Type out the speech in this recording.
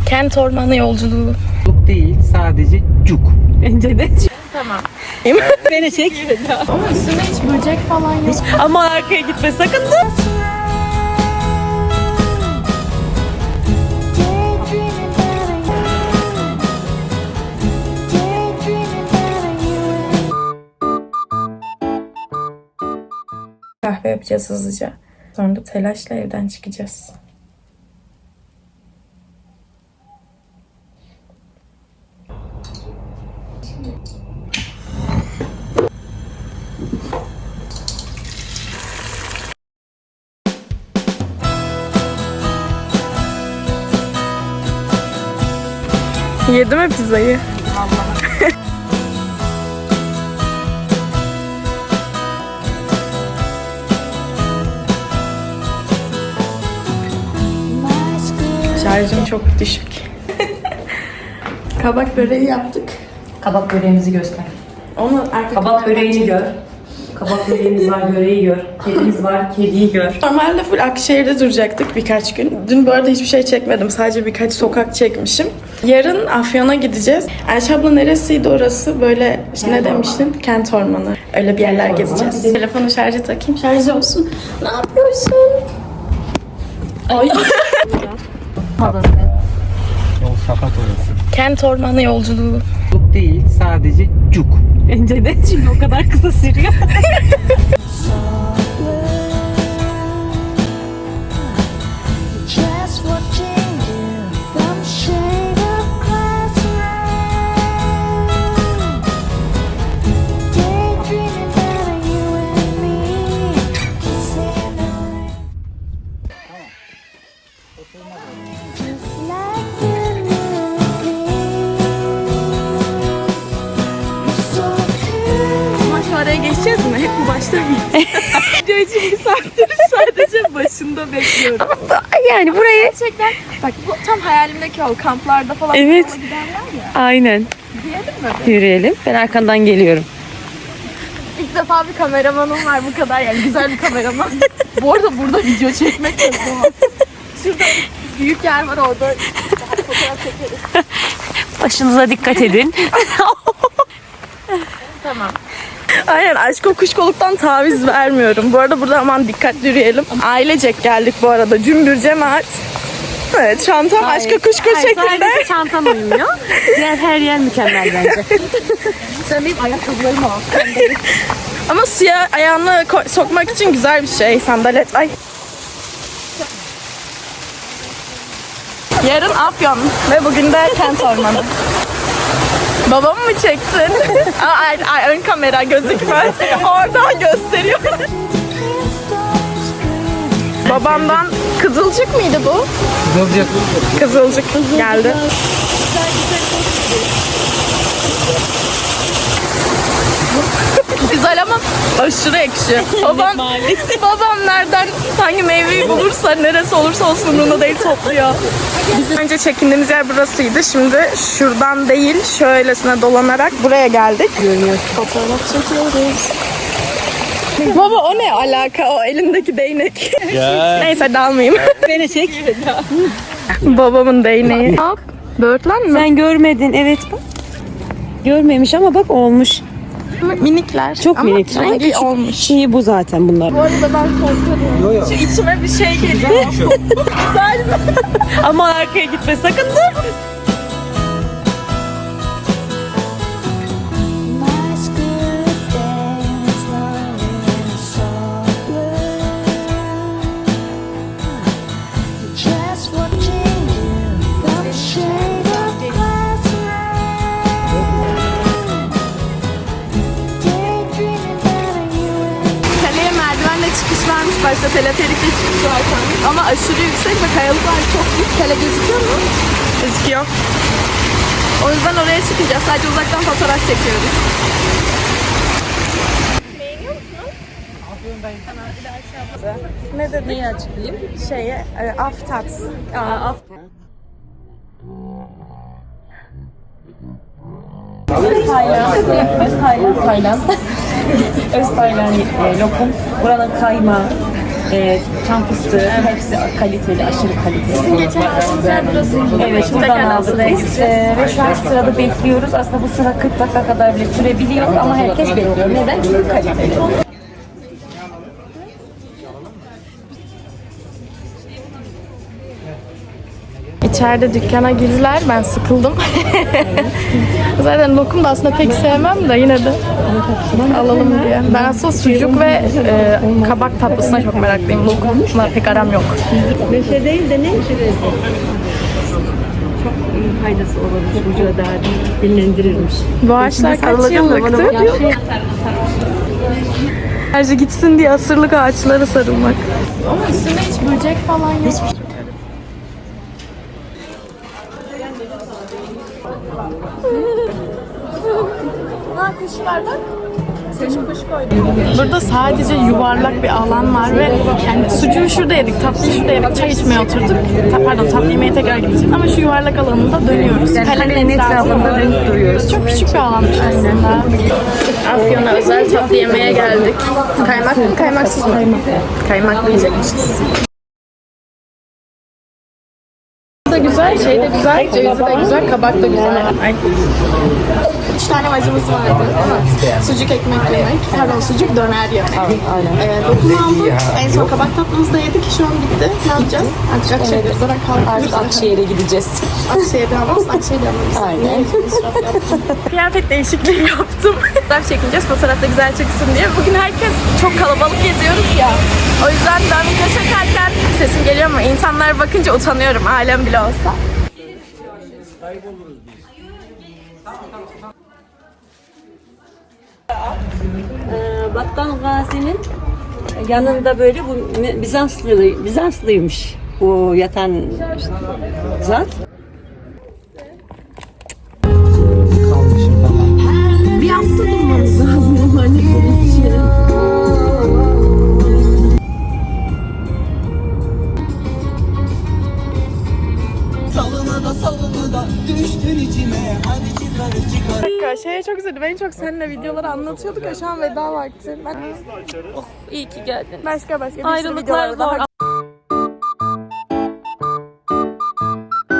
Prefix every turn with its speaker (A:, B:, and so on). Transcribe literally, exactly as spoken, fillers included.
A: Kent ormanı yolculuğu.
B: Cuk değil, sadece cuk.
C: Bence de.
A: Tamam.
C: Beni çek.
A: Ama üstünde hiç böcek falan yok.
C: Ama arkaya gitme sakın dur.
A: Kahve yapacağız hızlıca. Sonra da telaşla evden çıkacağız. Yedi mi pizzayı? Vallahi. Şarjım çok düşük. Kabak böreği yaptık.
C: Kabak böreğimizi göster.
A: Onu arka
C: Kabak böreğini gör. Kabak böreğimiz var, böreği gör. Kedimiz var, kediyi gör.
A: Normalde full Akşehir'de duracaktık birkaç gün. Dün bu arada hiçbir şey çekmedim. Sadece birkaç sokak çekmişim. Yarın Afyon'a gideceğiz. Ayşe abla neresiydi orası? Böyle işte ne demiştin? Kent ormanı. Öyle bir yerler gezeceğiz. Telefonu şarja takayım. Şarj olsun. Ne yapıyorsun? Ay.
B: Yol sapat orası.
A: Kent ormanı yolculuğu.
B: Cuk değil, sadece cuk.
C: Bence de çünkü o kadar kısa sürüyor.
A: Oraya geçeceğiz mi? Hep bu başta mıyız?
C: Video için bir saattir sadece başında bekliyorum. Yani buraya...
A: Gerçekten bak bu tam hayalimdeki yol. Kamplarda falan
C: Evet.
A: giderler ya.
C: Aynen.
A: Diyelim mi?
C: Yürüyelim. Ben arkandan geliyorum.
A: İlk defa bir kameramanım var bu kadar yani güzel bir kameraman. Bu arada burada video çekmek de zor. Şurada büyük yer var orada fotoğraf çekeriz.
C: Başınıza dikkat edin.
A: Tamam. Aynen aşk kuşkoluktan taviz vermiyorum. Bu arada burada aman dikkatli yürüyelim. Ailecek geldik bu arada. Cümbür cemaat. Evet çantam aşka kuşku şeklinde.
C: Sadece çantan uymuyor. Diğer her yer mükemmel bence.
A: Sen benim ayakkabılarımı al. Ama suya ayağını ko- sokmak için güzel bir şey. Sandalet. Ay. Yarın Afyon ve bugün de Kent ormanı. Babamı mı çektin? Aa, ay, ay, ön kamera gözükmez. Oradan gösteriyor. Babamdan Kızılcık mıydı bu?
B: Kızılcık.
A: Kızılcık geldi. Güzel ama aşırı ekşi. Babam, babam nereden hangi meyveyi bulursa neresi olursa olsun umurunda değil topluyor. Bizim önce çekindiğimiz yer burasıydı. Şimdi şuradan değil şöylesine dolanarak buraya geldik. Görünüyor. Fotoğraf çekiyoruz. Baba o ne alaka o elindeki değnek? Neyse dalmayayım.
C: Beni çek.
A: Babamın değneği. Hop. Böğürtlen mi?
C: Sen görmedin evet bak. Görmemiş ama bak olmuş.
A: Minikler.
C: Çok
A: ama
C: minik.
A: rengi
C: Küçük.
A: olmuş.
C: Şeyi bu zaten bunlar.
A: Bu arada ben korkuyorum. Şu içime bir şey geliyor. Güzel mi?
C: Ama arkaya gitme sakın dur.
A: Kaleye merdivenle çıkış varmış başta teleferikle çıkış var sanırım. Ama aşırı yüksek ve kayalıklar çok büyük. Kale gözüküyor mu? Gözüküyor. O yüzden oraya çıkacağız. Sadece uzaktan fotoğraf çekiyoruz. Beğeniyor musunuz? Ne dedi? Neyi açıklayayım? Şeye, e, aftat. Aa, aftat.
C: Tayland, Öz Tayland, Tayland. Öz Tayland e, lokum. Buranın kaymağı. e, çam fıstığı, hepsi kaliteli, aşırı kaliteli.
A: Geçen aldığımız yer burasıydı.
C: Evet, buradan aldık biz. Ee, ve şu an sırada bekliyoruz. Aslında bu sıra kırk dakika kadar bile sürebiliyor ama herkes bekliyor. Neden? Çünkü kaliteli.
A: İçeride dükkana girdiler. Ben sıkıldım. Zaten lokum da aslında pek sevmem de yine de alalım diye. Ben aslında sucuk ve e, kabak tatlısına çok meraklıyım. Lokumla pek aram yok.
C: Neşe değil de ne? Çok iyi faydası olabilir. Vücuda daha dinlendirirmiş.
A: Bu ağaçlar kaç yıllıktı? Enerji gitsin diye asırlık ağaçlara sarılmak. Ama üstünde hiç böcek falan yok. Ha, kuş var bak. Seçim kuş koydum. Burada sadece yuvarlak bir alan var ve yani sucuğu şurada yedik, tatlıyı şurada yedik, çay içmeye oturduk. Ta, pardon, tatlı yemeye tekrar gideceğiz ama şu yuvarlak alanında dönüyoruz. Yani kalenin etrafında dönüp duruyoruz. Çok küçük bir alanmış aslında. Afyon'a özel tatlı yemeye geldik. Kaymak mı, kaymaksız mı? Kaymak. Kaymaklı yiyecekmişiz. Da güzel, şey de güzel, cevizi de güzel, kabak da güzel. Ay. Üç tane acımız vardı. Sucuk ekmek yemek, pardon sucuk döner yemek. Ee, lokum aldık, en son kabak tatlımızı da yedik, şu an bitti. Ne yapacağız? Artık Akşehir'de zaten kalkıyoruz.
C: Artık Akşehir'e gideceğiz.
A: Akşehir'de almaz, Akşehir'de almaz.
C: Aynen.
A: Kıyafet değişikliği yaptım. Fotoğraf çekineceğiz, fotoğrafta güzel çıksın diye. Bugün herkes çok kalabalık geziyoruz ya. O yüzden ben video çekerken sesim geliyor ama insanlar bakınca utanıyorum, ailem bile olsa.
D: Ee, Battal Gazi'nin yanında böyle bu Bizanslı Bizanslıymış bu yatan zat.
B: Kalmışım falan.
A: Bir hafta durmamız lazım. Hani şey.
E: Salını da salını da düştün içime. Hadi çıkar çıkar.
A: Şey çok güzeldi. Ben çok seninle videoları anlatıyorduk ya, şu an veda vakti. Ben... Oh, iyi ki geldin. Başka başka bir sürü
C: Ayrılıklar
A: videolar
C: zor.
A: daha